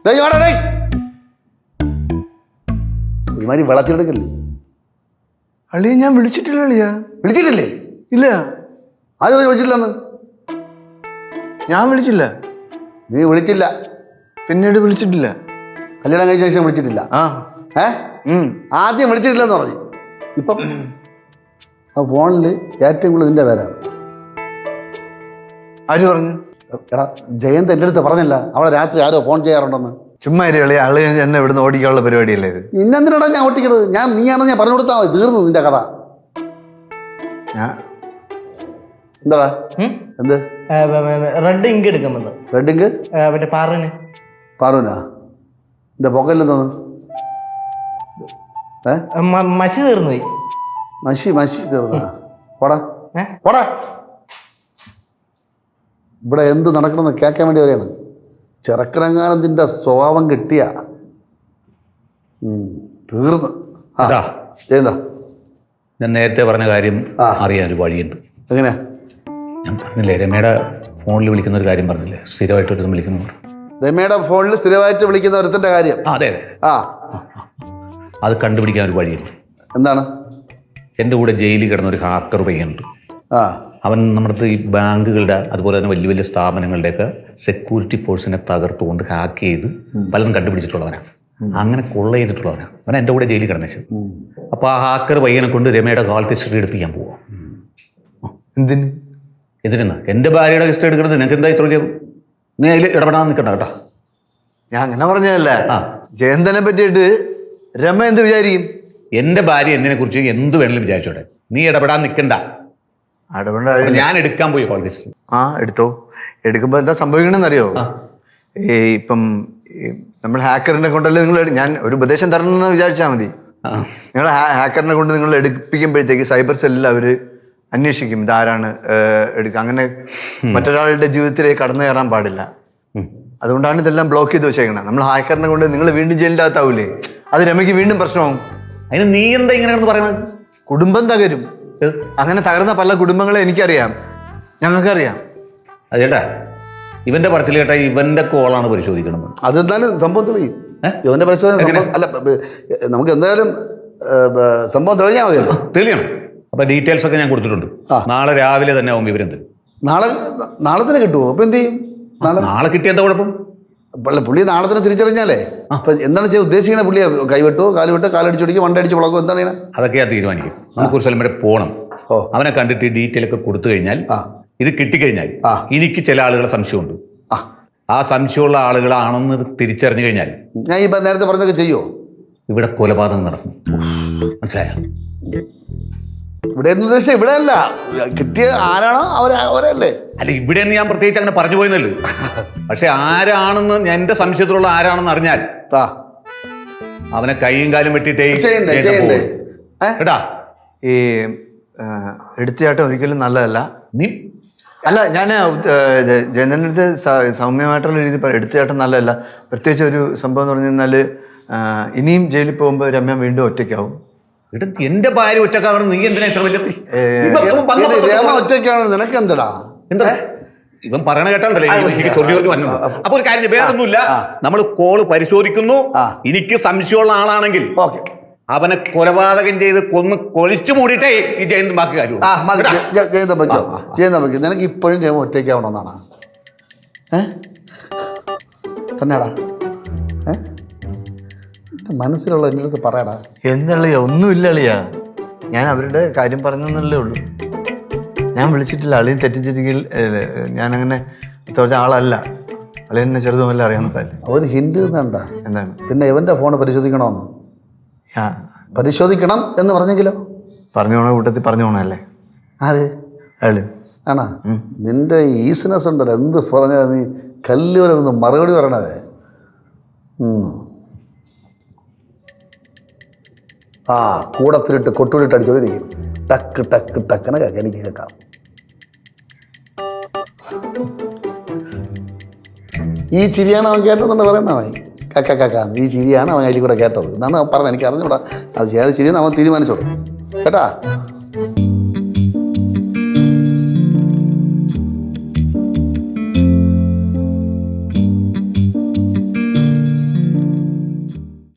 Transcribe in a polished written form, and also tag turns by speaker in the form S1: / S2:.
S1: ഒരുമാതിരി വെള്ളത്തിലെടുക്കല്ലേ
S2: അളിയ ഞാൻ വിളിച്ചിട്ടില്ല അളിയ.
S1: വിളിച്ചിട്ടില്ലേ?
S2: ഇല്ല.
S1: ആരും വിളിച്ചിട്ടില്ലെന്ന്.
S2: ഞാൻ വിളിച്ചില്ല.
S1: നീ വിളിച്ചില്ല.
S2: പിന്നീട് വിളിച്ചിട്ടില്ല.
S1: കല്യാണം കഴിച്ച ശേഷം വിളിച്ചിട്ടില്ല. ആദ്യം വിളിച്ചിട്ടില്ലെന്ന് പറഞ്ഞു. ഇപ്പം ആ ഫോണിൽ ഏറ്റവും കൂടുതൽ നിന്റെ പേരാണ്.
S2: ആര് പറഞ്ഞു?
S1: എടാ ജയന്ത് എൻ്റെ അടുത്ത് പറഞ്ഞില്ല അവളെ രാത്രി ആരോ ഫോൺ ചെയ്യാറുണ്ടെന്ന്.
S2: ചുമ്മാ അളിയ ആള് എന്നെ ഇവിടുന്ന് ഓടിക്കാനുള്ള പരിപാടിയല്ലേ ഇത്.
S1: ഇന്നെന്തിനാടാ ഞാൻ ഓട്ടിക്കണത്? നീയാണെന്ന് ഞാൻ പറഞ്ഞു കൊടുത്താൽ മതി. തീർന്നു നിന്റെ കഥ. എന്താടാ എന്ത്
S3: റെഡ് ഇങ്ക് എടുക്കാൻ
S1: റെഡ് ഇങ്ക്
S3: മറ്റേ
S1: പാറുവിനാ എന്റെ പൊക്കലിൽ തോന്നു
S3: മഷി തീർന്നു പോയി.
S1: മഷി തീർന്നാ? പോടാ പോടാ. ഇവിടെ എന്ത് നടക്കണമെന്ന് കേൾക്കാൻ വേണ്ടി വരെയാണ്. ചെറുക്കനങ്ങാനത്തിൻ്റെ സ്വഭാവം കിട്ടിയ തീർന്ന്. എന്താ
S4: ഞാൻ നേരത്തെ പറഞ്ഞ കാര്യം അറിയാൻ ഒരു വഴിയുണ്ട്.
S1: എങ്ങനെയാ?
S4: ഞാൻ പറഞ്ഞില്ലേ രമയുടെ ഫോണിൽ വിളിക്കുന്ന ഒരു കാര്യം പറഞ്ഞില്ലേ, സ്ഥിരമായിട്ട് ഒരു വിളിക്കുന്നു.
S1: രമയുടെ ഫോണിൽ സ്ഥിരമായിട്ട് വിളിക്കുന്ന ഒരുത്തൻ്റെ കാര്യം.
S4: അതെ
S1: ആ
S4: അത് കണ്ടുപിടിക്കാൻ ഒരു വഴിയുണ്ട്.
S1: എന്താണ്?
S4: എൻ്റെ കൂടെ ജയിലിൽ കിടന്ന ഒരു ഹാക്കർ പയ്യനുണ്ട്. അവൻ നമ്മുടെ ഈ ബാങ്കുകളുടെ അതുപോലെ തന്നെ വലിയ വലിയ സ്ഥാപനങ്ങളുടെയൊക്കെ സെക്യൂരിറ്റി ഫോഴ്സിനെ തകർത്തുകൊണ്ട് ഹാക്ക് ചെയ്ത് പലതും കണ്ടുപിടിച്ചിട്ടുള്ളവനാണ്. അങ്ങനെ കൊള്ള ചെയ്തിട്ടുള്ളവനാണ്. അവൻ എൻ്റെ കൂടെ ജയിലിൽ കിടന്നു. അപ്പോൾ ആ ഹാക്കർ പയ്യനെ കൊണ്ട് രമയുടെ കാൾ ഹിസ്റ്ററി എടുപ്പിക്കാൻ പോവാം. എന്തിനാ എൻ്റെ ഭാര്യയുടെ ഹിസ്റ്ററി എടുക്കുന്നത്? നിനക്ക് എന്താ ഇത്ര വലിയ? നീ അതിൽ ഇടപെടാൻ നിൽക്കണ്ട കേട്ടോ.
S2: ഞാൻ അങ്ങനെ പറഞ്ഞതല്ല. ജയന്തനെ പറ്റിയിട്ട് രമ എന്ത് വിചാരിക്കും?
S4: എൻ്റെ ഭാര്യ എന്തിനെ കുറിച്ച് എന്ത് വേണമെങ്കിലും വിചാരിച്ചോട്ടെ. നീ ഇടപെടാൻ നിൽക്കണ്ട. ഞാൻ എടുക്കാൻ പോയി കോൾ ഹിസ്റ്ററി.
S2: എടുത്തോ. എടുക്കുമ്പോൾ എന്താ സംഭവിക്കണമെന്നറിയോ? ഇപ്പം നമ്മൾ ഹാക്കറിനെ കൊണ്ടല്ലേ നിങ്ങൾ, ഞാൻ ഒരു ഉപദേശം തരണമെന്ന് വിചാരിച്ചാൽ മതി. നിങ്ങൾ ഹാക്കറിനെ കൊണ്ട് നിങ്ങൾ എടുപ്പിക്കുമ്പോഴത്തേക്ക് സൈബർ സെല്ലിൽ അവർ അന്വേഷിക്കും ഇതാരാണ് എടുക്കുക. അങ്ങനെ മറ്റൊരാളുടെ ജീവിതത്തിലേക്ക് കടന്നു കയറാൻ പാടില്ല. അതുകൊണ്ടാണ് ഇതെല്ലാം ബ്ലോക്ക് ചെയ്ത് വെച്ചേക്കണം. നമ്മൾ ഹാക്കറിനെ കൊണ്ട് നിങ്ങൾ വീണ്ടും ജയിലിൻ്റെ അകത്താവൂലേ, അത് രമയ്ക്ക് വീണ്ടും പ്രശ്നമാവും.
S4: അതിന് നീ എന്താ ഇങ്ങനെ പറയുന്നത്?
S2: കുടുംബം തകരും. അങ്ങനെ തകർന്ന പല കുടുംബങ്ങളെ എനിക്കറിയാം, ഞങ്ങൾക്കറിയാം.
S4: അതേട്ടാ ഇവന്റെ പറച്ചിൽ കേട്ടാ ഇവന്റെ കോളാണ് പരിശോധിക്കണം.
S1: അതെന്തായാലും സംഭവം തെളിയും. ഇവന്റെ പരിശോധന അല്ല, നമുക്ക് എന്തായാലും സംഭവം തെളിഞ്ഞാൽ മതിയല്ലോ.
S4: തെളിയണം. അപ്പൊ ഡീറ്റെയിൽസ് ഒക്കെ ഞാൻ കൊടുത്തിട്ടുണ്ട്. നാളെ രാവിലെ തന്നെ ആവും വിവരം തരും.
S1: നാളെ തന്നെ കിട്ടുമോ? അപ്പൊ എന്ത് ചെയ്യും?
S4: നാളെ കിട്ടിയ എന്താ കുഴപ്പം?
S1: പുള്ളി നാളെ തന്നെ തിരിച്ചറിഞ്ഞാലേ അപ്പൊ എന്താണ് ചെയ്യാൻ ഉദ്ദേശിക്കണേ? പുള്ളിയെ കൈവിട്ടോ കാലുവിട്ടോ കാലടിച്ചൊടിക്കും വണ്ടടിച്ച് വളക്കോ എന്താണ് ചെയ്യണേ?
S4: അതൊക്കെയാ തീരുമാനിക്കും. നമുക്ക് ഒരു സ്ഥലം വരെ പോകണം. അവനെ കണ്ടിട്ട് ഡീറ്റെയിൽ ഒക്കെ കൊടുത്തു കഴിഞ്ഞാൽ, ഇത് കിട്ടിക്കഴിഞ്ഞാൽ എനിക്ക് ചില ആളുകളെ സംശയമുണ്ട്. ആ സംശയമുള്ള ആളുകളാണെന്ന് തിരിച്ചറിഞ്ഞു കഴിഞ്ഞാൽ
S1: ഞാൻ ഈ നേരത്തെ പറഞ്ഞതൊക്കെ ചെയ്യുമോ?
S4: ഇവിടെ കൊലപാതകം നടക്കും. മനസ്സിലായോ?
S1: ഇവിടെ എന്ന് ഉദ്ദേശിച്ച ഇവിടെ അല്ല, കിട്ടിയ ആരാണോ അവരല്ലേ.
S4: അല്ല ഇവിടെ ഞാൻ പ്രത്യേകിച്ച് അങ്ങനെ പറഞ്ഞു പോയെന്നല്ലോ. പക്ഷെ ആരാണെന്ന് എന്റെ സംശയത്തിലുള്ള ആരാണെന്ന് അറിഞ്ഞാൽ അവനെ കൈയും കാലും വെട്ടിട്ടേ കേട്ടാ.
S2: ഈ എടുത്തിയാട്ടം ഒരിക്കലും നല്ലതല്ല.
S4: നീ
S2: അല്ല, ഞാൻ ജയന്തൻ്റെ അടുത്ത് സൗമ്യമായിട്ടുള്ള രീതിയിൽ എടുത്തിയാട്ടം നല്ലതല്ല. പ്രത്യേകിച്ച് ഒരു സംഭവം എന്ന് പറഞ്ഞു കഴിഞ്ഞാൽ ഇനിയും ജയിലിൽ പോകുമ്പോൾ രമ്യ വീണ്ടും ഒറ്റയ്ക്കാവും.
S4: എന്റെ ഭാര്യ ഒറ്റക്കാവണം. നീ എന്തിനാ ഇത്ര വലിയ
S1: ഒറ്റയ്ക്കാവണം? നിനക്ക് എന്താ
S4: എന്താ ഇവൻ പറയണ കേട്ടോണ്ടല്ലേ ചൊല്ലി വന്നു. അപ്പൊ ഒരു കാര്യം, വേറൊന്നുമില്ല, നമ്മൾ കോള് പരിശോധിക്കുന്നു. എനിക്ക് സംശയമുള്ള ആളാണെങ്കിൽ അവനെ കൊലപാതകം ചെയ്ത് കൊലിച്ചു മൂടിയിട്ടേ ഈ ജയന്ത് ബാക്കി കാര്യം.
S1: ജയന്ത നിനക്ക് ഇപ്പോഴും ജയമ ഒറ്റയ്ക്കാവണമെന്നാണ് തന്നെയാടാ മനസ്സിലുള്ള എൻ്റെ അടുത്ത് പറയടാ.
S2: എന്തളിയാ? ഒന്നുമില്ല അളിയാ, ഞാൻ അവരുടെ കാര്യം പറഞ്ഞെന്നല്ലേ ഉള്ളൂ. ഞാൻ വിളിച്ചിട്ടില്ല. അളിയും തെറ്റിച്ചിരിക്കൽ ഞാനങ്ങനെ തോറ്റ ആളല്ല. അളിയെന്നെ ചെറുതുമല്ല അറിയാവുന്നതല്ലേ.
S1: അവന് ഹിന്റ് തന്നണ്ട.
S2: എന്താണ്?
S1: പിന്നെ ഇവന്റെ ഫോണ് പരിശോധിക്കണമെന്ന്. പരിശോധിക്കണം എന്ന് പറഞ്ഞെങ്കിലോ? പറഞ്ഞു പോണ കൂട്ടത്തിൽ പറഞ്ഞു പോണല്ലേ. ആര്? അയാള് ആണാ? നിന്റെ ഈസിനെസ് ഉണ്ടല്ലോ, എന്ത് പറഞ്ഞാൽ നീ കല്ല് വരെ നിന്ന് മറുപടി പറയണതേ. കൂടത്തിലിട്ട് കൊട്ടുവിലിട്ട് അടിച്ചോണ്ടിരിക്കും. ടക്ക് ടക്ക് ടക്കനെ കേൾക്കാം, എനിക്ക് കേൾക്കാം. ഈ ചിരിയാണ് അവൻ കേട്ടതെന്ന് പറയണവൻ. കക്ക കക്ക ഈ ചിരിയാണ് അവൻ അതിൽ കൂടെ കേട്ടത് എന്നാണ് പറഞ്ഞത്. എനിക്ക് അറിഞ്ഞൂടാ അത് ചെയ്ത ചിരിയെന്ന് അവൻ തീരുമാനിച്ചോളൂ കേട്ടാ.